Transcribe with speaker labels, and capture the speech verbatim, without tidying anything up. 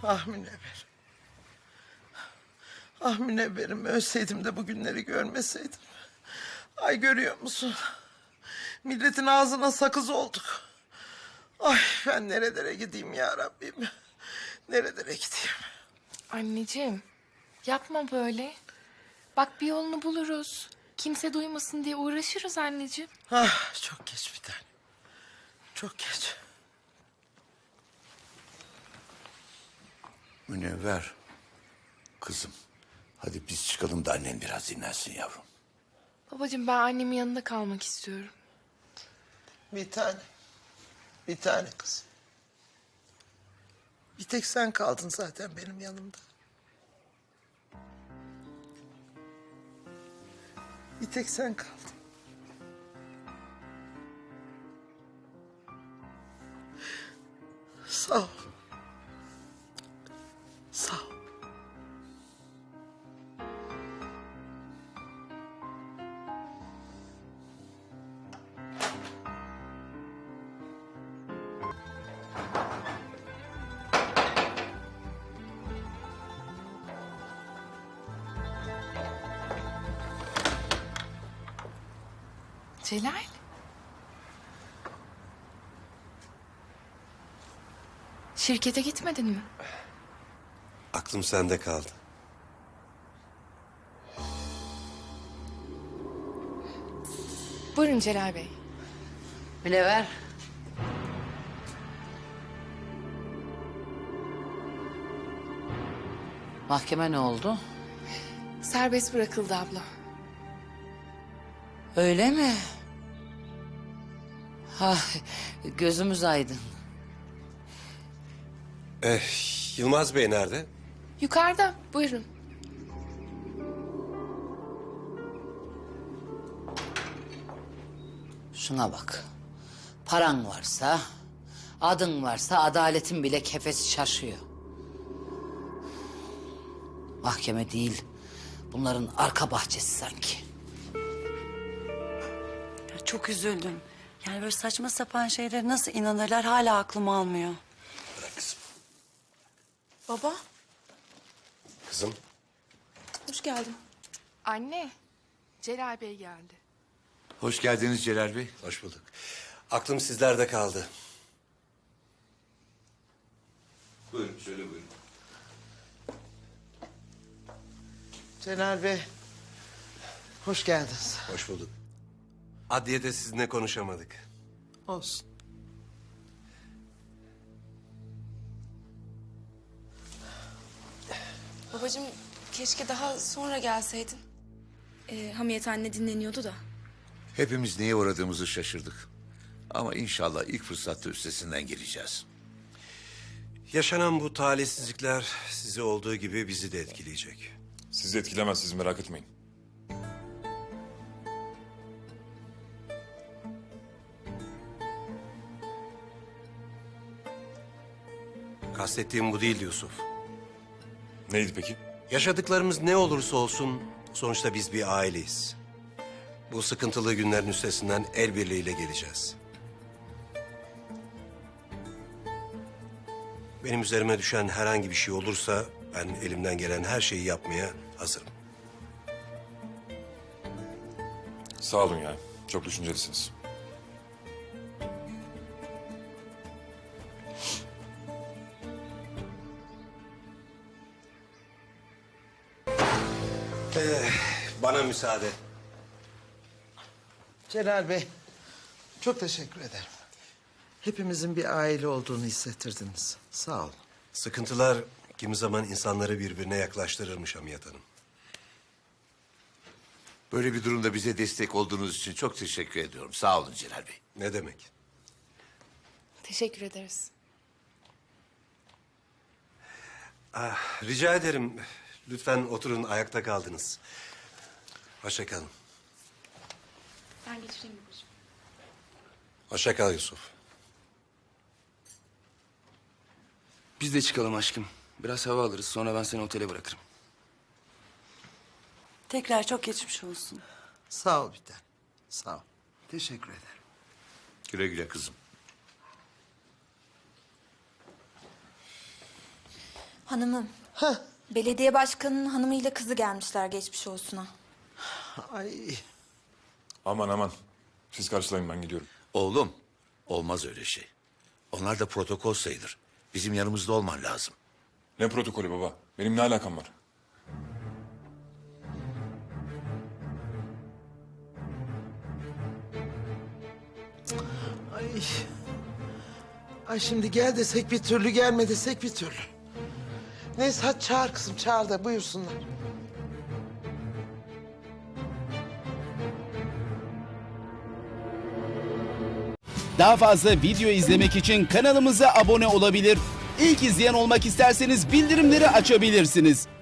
Speaker 1: Ah Münevver. Ah Münevverim, ölseydim de bu günleri görmeseydim. Ay görüyor musun? Milletin ağzına sakız olduk. Ay ben nerelere gideyim ya Rabbim. Nerelere gideyim?
Speaker 2: Anneciğim, yapma böyle. Bak bir yolunu buluruz. Kimse duymasın diye uğraşırız anneciğim.
Speaker 1: Ah çok geç bir tane. Çok geç.
Speaker 3: Münevver, kızım. Hadi biz çıkalım da annen biraz dinlensin yavrum.
Speaker 2: Babacığım ben annemin yanında kalmak istiyorum.
Speaker 1: Bir tane. Bir tane kız. Bir tek sen kaldın zaten benim yanımda. Bir tek sen kaldın. Sağ ol. Sağ ol.
Speaker 2: Celal. Şirkete gitmedin mi?
Speaker 4: Aklım sende kaldı.
Speaker 2: Buyurun Celal Bey.
Speaker 5: Münevver. Mahkeme ne oldu?
Speaker 2: Serbest bırakıldı abla.
Speaker 5: Öyle mi? Ha, gözümüz aydın.
Speaker 4: Eh, Yılmaz Bey nerede?
Speaker 2: Yukarıda, buyurun.
Speaker 5: Şuna bak. Paran varsa, adın varsa adaletin bile kefesi şaşıyor. Mahkeme değil, bunların arka bahçesi sanki.
Speaker 6: Ya çok üzüldüm. Yani böyle saçma sapan şeylere nasıl inanırlar hala aklım almıyor.
Speaker 4: Bırak kızım.
Speaker 7: Baba,
Speaker 4: Kızım,
Speaker 7: hoş geldin.
Speaker 2: Anne, Celal Bey geldi.
Speaker 3: Hoş geldiniz Celal Bey.
Speaker 4: hoş bulduk. Aklım sizlerde kaldı.
Speaker 3: Buyurun, şöyle buyurun.
Speaker 1: Celal Bey. Hoş geldiniz.
Speaker 4: Hoş bulduk. Adliyede sizinle konuşamadık.
Speaker 1: Olsun.
Speaker 7: Babacığım, keşke daha sonra gelseydin. Ee, Hamiyet anne dinleniyordu da.
Speaker 3: Hepimiz neye uğradığımızı şaşırdık. Ama inşallah ilk fırsatta üstesinden geleceğiz.
Speaker 4: Yaşanan bu talihsizlikler sizi olduğu gibi bizi de etkileyecek.
Speaker 8: Sizi etkilemez, siz merak etmeyin.
Speaker 4: Kastettiğim bu değildi Yusuf.
Speaker 8: Neydi peki?
Speaker 4: Yaşadıklarımız ne olursa olsun sonuçta biz bir aileyiz. Bu sıkıntılı günlerin üstesinden el birliğiyle geleceğiz. Benim üzerime düşen herhangi bir şey olursa ben elimden gelen her şeyi yapmaya hazırım.
Speaker 8: Sağ olun ya, çok düşüncelisiniz.
Speaker 4: Bana müsaade.
Speaker 1: Celal Bey, çok teşekkür ederim. Hepimizin bir aile olduğunu hissettirdiniz. Sağ olun.
Speaker 4: Sıkıntılar kimi zaman insanları birbirine yaklaştırırmış Hamiyet Hanım.
Speaker 3: Böyle bir durumda bize destek olduğunuz için çok teşekkür ediyorum. Sağ olun Celal Bey.
Speaker 4: Ne demek?
Speaker 2: Teşekkür ederiz.
Speaker 4: Ah, rica ederim. Lütfen oturun, ayakta kaldınız. Hoşça kalın.
Speaker 7: Ben geçireyim babacığım.
Speaker 4: Hoşça kal Yusuf.
Speaker 9: Biz de çıkalım aşkım. Biraz hava alırız. Sonra ben seni otele bırakırım.
Speaker 6: Tekrar çok geçmiş olsun.
Speaker 1: Sağ ol bir tane. Sağ ol. Teşekkür ederim.
Speaker 3: Güle güle kızım.
Speaker 7: Hanımım.
Speaker 1: Heh.
Speaker 7: Belediye başkanının hanımıyla kızı gelmişler geçmiş olsuna.
Speaker 1: Ay
Speaker 8: Aman aman. Siz karşılayın, ben gidiyorum.
Speaker 3: Oğlum, olmaz öyle şey. Onlar da protokol sayılır. Bizim yanımızda olman lazım.
Speaker 8: Ne protokolü baba? Benim ne alakam var?
Speaker 1: ay. Ay şimdi gel desek bir türlü, gelme desek bir türlü. Neyse hadi çağır kızım, çağır da buyursunlar.
Speaker 10: Daha fazla video izlemek için kanalımıza abone olabilir. İlk izleyen olmak isterseniz bildirimleri açabilirsiniz.